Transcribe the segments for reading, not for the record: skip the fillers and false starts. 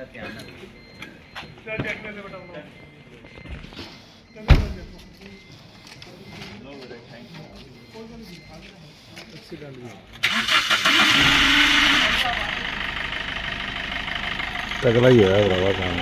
तगड़ा ही है भरावा काम।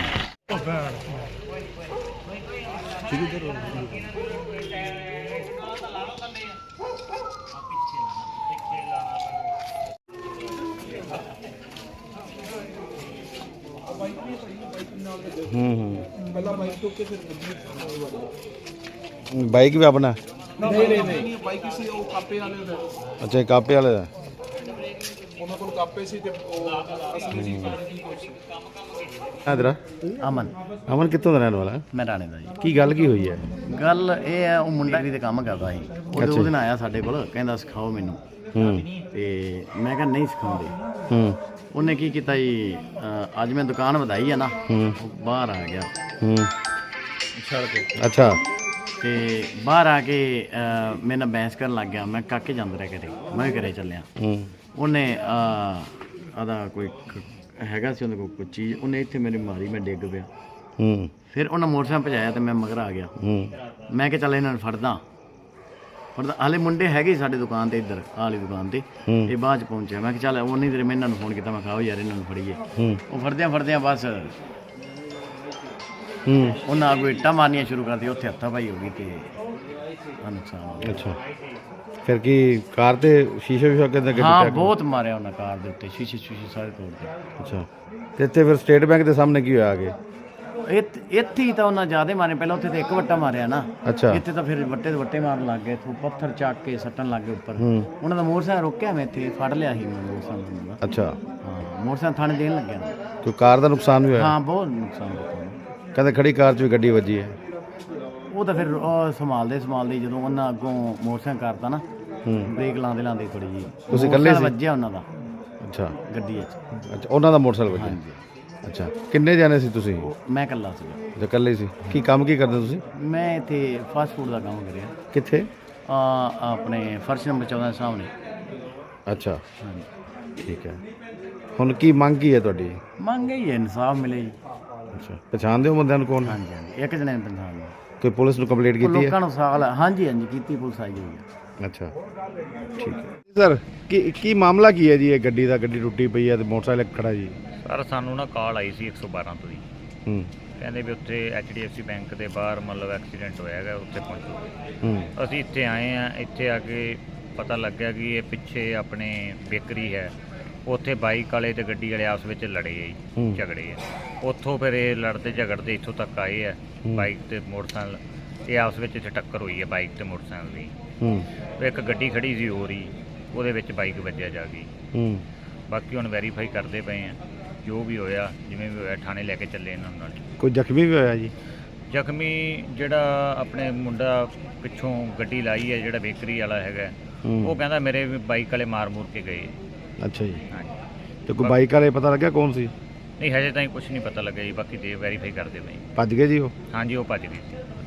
बाइक भी अपना? नहीं बाइक किसी वो कापे वाले दा। अच्छा कापे वाले दा। ਉਹਨਾਂ ਕੋਲ ਕਾਪੇ ਸੀ ਤੇ ਅਸਲੀ ਚੀਜ਼ ਪਾਣੀ ਦੀ ਕੋਸ਼ਿਸ਼। ਤੇਰਾ ਅਮਨ ਅਮਨ ਕਿੱਥੋਂ ਦਾ ਰਹਿਣ ਵਾਲਾ? ਮੈਂ ਰਾਣੇ ਦਾ ਜੀ। ਕੀ ਗੱਲ ਕੀ ਹੋਈ ਹੈ? ਗੱਲ ਇਹ ਹੈ, ਉਹ ਮੁੰਡਾ ਵੀ ਤੇ ਕੰਮ ਕਰਦਾ ਸੀ, ਉਹਦੇ ਨਾਲ ਆਇਆ ਸਾਡੇ ਕੋਲ, ਕਹਿੰਦਾ ਸਿਖਾਓ ਮੈਨੂੰ। ਤੇ ਮੈਂ ਕਿਹਾ ਨਹੀਂ ਸਿਖਾਉਂਦੇ। ਉਹਨੇ ਕੀ ਕੀਤਾ ਜੀ, ਅੱਜ ਮੈਂ ਦੁਕਾਨ ਵਧਾਈ ਆ ਨਾ, ਉਹ ਬਾਹਰ ਆ ਗਿਆ ਅੱਛਾ। ਤੇ ਬਾਹਰ ਆ ਕੇ ਮੇਰੇ ਨਾਲ ਬਹਿਸ ਕਰਨ ਲੱਗ ਗਿਆ। ਮੈਂ ਕਾਕੇ ਜਾਂਦਾ ਰਿਹਾ ਘਰੇ, ਮੈਂ ਵੀ ਘਰੇ ਚੱਲਿਆ। ਉਹਨੇ ਆਦਾ ਕੋਈ ਹੈਗਾ ਸੀ ਉਹਦੇ ਕੋਲ ਕੋਈ ਚੀਜ਼, ਉਹਨੇ ਇੱਥੇ ਮੇਰੀ ਮਾਰੀ, ਮੈਂ ਡਿੱਗ ਪਿਆ। ਫਿਰ ਉਹਨਾਂ ਮੋਟਰਸਾਈਕਲ ਭਜਾਇਆ ਤੇ ਮੈਂ ਮਗਰ ਆ ਗਿਆ। ਮੈਂ ਕਿਹਾ ਚੱਲ ਇਹਨਾਂ ਨੂੰ ਫੜਦਾ। ਹਾਲੇ ਮੁੰਡੇ ਹੈਗੇ ਸਾਡੇ ਦੁਕਾਨ 'ਤੇ, ਇੱਧਰ ਆਹ ਵਾਲੀ ਦੁਕਾਨ 'ਤੇ। ਇਹ ਬਾਅਦ 'ਚ ਪਹੁੰਚਿਆ। ਮੈਂ ਕਿਹਾ ਚੱਲ ਉਨੀ ਦੇਰ ਮੈਂ ਇਹਨਾਂ ਨੂੰ ਫੋਨ ਕੀਤਾ, ਮੈਂ ਕਿਹਾ ਆਓ ਯਾਰ ਇਹਨਾਂ ਨੂੰ ਫੜੀਏ। ਉਹ ਫੜਦਿਆਂ ਬਸ ਉਹਨਾਂ ਅੱਗੋਂ ਇੱਟਾਂ ਮਾਰਨੀਆਂ ਸ਼ੁਰੂ ਕਰਤੀ, ਉੱਥੇ ਹੱਥਾਂ ਪਾਈ ਹੋ ਗਈ ਤੇ ਨੁਕਸਾਨ ਹੋ ਗਿਆ। ਅੱਛਾ ਫਿਰ ਕੀ ਕਾਰ ਤੇ ਸ਼ੀਸ਼ੇ ਵੀ ਅੱਗੇ ਲੱਗੇ? ਹਾਂ ਬਹੁਤ ਮਾਰਿਆ ਉਹਨਾਂ ਕਾਰ ਦੇ ਉੱਤੇ, ਸ਼ੀਸ਼ੇ ਸਾਰੇ ਤੋੜਦੇ। ਅੱਛਾ ਤੇ ਇੱਥੇ ਫਿਰ ਸਟੇਟ ਬੈਂਕ ਦੇ ਸਾਹਮਣੇ ਕੀ ਹੋਇਆ ਅੱਗੇ? ਇੱਥੇ ਹੀ ਤਾਂ ਉਹਨਾਂ ਜ਼ਿਆਦਾ ਮਾਰੇ, ਪਹਿਲਾਂ ਉੱਥੇ ਤੇ ਇੱਕ ਵੱਟਾ ਮਾਰਿਆ ਨਾ। ਅੱਛਾ ਇੱਥੇ ਤਾਂ ਫਿਰ ਵੱਟੇ ਦੇ ਵੱਟੇ ਮਾਰਨ ਲੱਗ ਗਏ, ਇੱਥੋਂ ਪੱਥਰ ਚੱਕ ਕੇ ਸੱਟਣ ਲੱਗ ਗਏ ਉੱਪਰ। ਉਹਨਾਂ ਦਾ ਮੋਟਰਸਾਈਕਲ ਰੋਕਿਆ, ਮੈਂ ਇੱਥੇ ਫੜ ਲਿਆ ਸੀ ਮੋਟਰਸਾਈਕਲ ਦਾ। ਅੱਛਾ ਹਾਂ ਮੋਟਰਸਾਈਕਲ ਥਾਣੇ ਦੇਣ ਲੱਗਿਆ। ਕੋਈ ਕਾਰ ਦਾ ਨੁਕਸਾਨ ਵੀ ਹੋਇਆ? ਹਾਂ ਬਹੁਤ ਨੁਕਸਾਨ ਕੀਤਾ। ਕਹਿੰਦੇ ਖੜੀ ਕਾਰ 'ਚ ਵੀ ਗੱਡੀ ਵੱਜੀ ਹੈ। ਉਹ ਤਾਂ ਫਿਰ ਸੰਭਾਲਦੇ ਜਦੋਂ ਉਹਨਾਂ ਅੱਗੋਂ ਮੋਟਰਸਾਈਕਲ ਕਰਤਾ ਨਾ, ਬ੍ਰੇਕ ਲਾਉਂਦੇ ਥੋੜੀ ਜਿਹੀ ਤੁਸੀਂ ਇਕੱਲੇ ਸੀ? ਵੱਜਿਆ ਉਹਨਾਂ ਦਾ ਅੱਛਾ ਗੱਡੀ 'ਚ। ਅੱਛਾ ਉਹਨਾਂ ਦਾ ਮੋਟਰਸਾਈਕਲ ਵੱਜਿਆ? ਅੱਛਾ ਕਿੰਨੇ ਜਾਣੇ ਸੀ ਤੁਸੀਂ? ਮੈਂ ਇਕੱਲਾ ਸੀ। ਅੱਛਾ ਇਕੱਲੇ ਸੀ। ਕੀ ਕੰਮ ਕੀ ਕਰਦੇ ਤੁਸੀਂ? ਮੈਂ ਇੱਥੇ ਫਾਸਟ ਫੂਡ ਦਾ ਕੰਮ ਕਰਿਆ। ਕਿੱਥੇ? ਆਪਣੇ ਫਰਸ਼ ਨੰਬਰ 14 ਸਾਹਮਣੇ। ਅੱਛਾ ਠੀਕ ਹੈ। ਹੁਣ ਕੀ ਮੰਗ ਕੀ ਹੈ ਤੁਹਾਡੀ? ਮੰਗ ਹੀ ਇਨਸਾਫ ਮਿਲੇ ਜੀ। ਅੱਛਾ ਪਛਾਣਦੇ ਹੋ ਬੰਦਿਆਂ ਨੂੰ? ਕੌਣ? ਹਾਂਜੀ ਇੱਕ ਜਣੇ ਨੇ ਪਛਾਣ ਲਿਆ। ਕੋਈ ਪੁਲਿਸ ਨੂੰ ਕੰਪਲੇਂਟ ਕੀਤੀ ਹੈ? ਲੋਕਾਂ ਨੂੰ ਸਾਲ ਹਾਂਜੀ ਕੀਤੀ, ਪੁਲਿਸ ਆਈ ਹੋਈ ਹੈ। ਅੱਛਾ ਠੀਕ ਹੈ ਸਰ। ਕੀ ਮਾਮਲਾ ਕੀ ਹੈ ਜੀ? ਇਹ ਗੱਡੀ ਟੁੱਟੀ ਪਈ ਹੈ ਤੇ ਮੋਟਰਸਾਈਕਲ ਖੜਾ ਜੀ। ਸਰ ਸਾਨੂੰ ਨਾ ਕਾਲ ਆਈ ਸੀ 112 ਤੋਂ ਜੀ। ਕਹਿੰਦੇ ਵੀ ਉੱਥੇ HDFC ਬੈਂਕ ਦੇ ਬਾਹਰ ਮਤਲਬ ਐਕਸੀਡੈਂਟ ਹੋਇਆ ਹੈਗਾ, ਉੱਥੇ ਪਹੁੰਚੋ। ਅਸੀਂ ਇੱਥੇ ਆਏ ਆ। ਇੱਥੇ ਆ ਕੇ ਪਤਾ ਲੱਗਿਆ ਕਿ ਇਹ ਪਿੱਛੇ ਆਪਣੇ ਬੇਕਰੀ ਹੈ, ਉੱਥੇ ਬਾਈਕ ਵਾਲੇ ਤੇ ਗੱਡੀ ਵਾਲੇ ਆਪਸ ਵਿੱਚ ਲੜੇ ਆ ਜੀ, ਝਗੜੇ ਆ। ਉੱਥੋਂ ਫਿਰ ਇਹ ਲੜਦੇ ਝਗੜਦੇ ਇੱਥੋਂ ਤੱਕ ਆਏ ਆ। ਬਾਈਕ ਤੇ ਮੋਟਰਸਾਈਕਲ ਇਹ ਆਪਸ ਵਿੱਚ ਇੱਥੇ ਟੱਕਰ ਹੋਈ ਹੈ ਬਾਈਕ ਤੇ ਮੋਟਰਸਾਈਕਲ ਦੀ। ਇੱਕ ਗੱਡੀ ਖੜੀ ਸੀ ਹੋਰ ਹੀ, ਉਹਦੇ ਵਿੱਚ ਬਾਈਕ ਵੱਜਿਆ ਜਾ ਗਈ। ਬਾਕੀ ਹੁਣ ਵੈਰੀਫਾਈ ਕਰਦੇ ਪਏ ਆ, ਜੋ ਵੀ ਹੋਇਆ ਜਿਵੇਂ ਵੀ ਹੋਇਆ ਥਾਣੇ ਲੈ ਕੇ ਚੱਲੇ ਇਹਨਾਂ ਨਾਲ। ਕੋਈ ਜ਼ਖਮੀ ਵੀ ਹੋਇਆ ਜੀ? ਜ਼ਖਮੀ ਜਿਹੜਾ ਆਪਣੇ ਮੁੰਡਾ ਪਿੱਛੋਂ ਗੱਡੀ ਲਾਈ ਹੈ, ਜਿਹੜਾ ਬੇਕਰੀ ਵਾਲਾ ਹੈਗਾ, ਉਹ ਕਹਿੰਦਾ ਮੇਰੇ ਬਾਈਕ ਵਾਲੇ ਮਾਰ ਮੂਰ ਕੇ ਗਏ। ਅੱਛਾ ਜੀ। ਹਾਂਜੀ ਤੇ ਕੋਈ ਬਾਈਕ ਵਾਲੇ ਪਤਾ ਲੱਗਿਆ ਕੌਣ ਸੀ? ਨਹੀਂ ਹਜੇ ਤਾਈਂ ਕੁਝ ਨਹੀਂ ਪਤਾ ਲੱਗਿਆ ਜੀ, ਬਾਕੀ ਦੇ ਵੈਰੀਫਾਈ ਕਰਦੇ ਪਏ। ਭੱਜ ਗਏ ਜੀ ਉਹ? ਹਾਂਜੀ ਉਹ ਭੱਜ ਗਏ ਸੀ।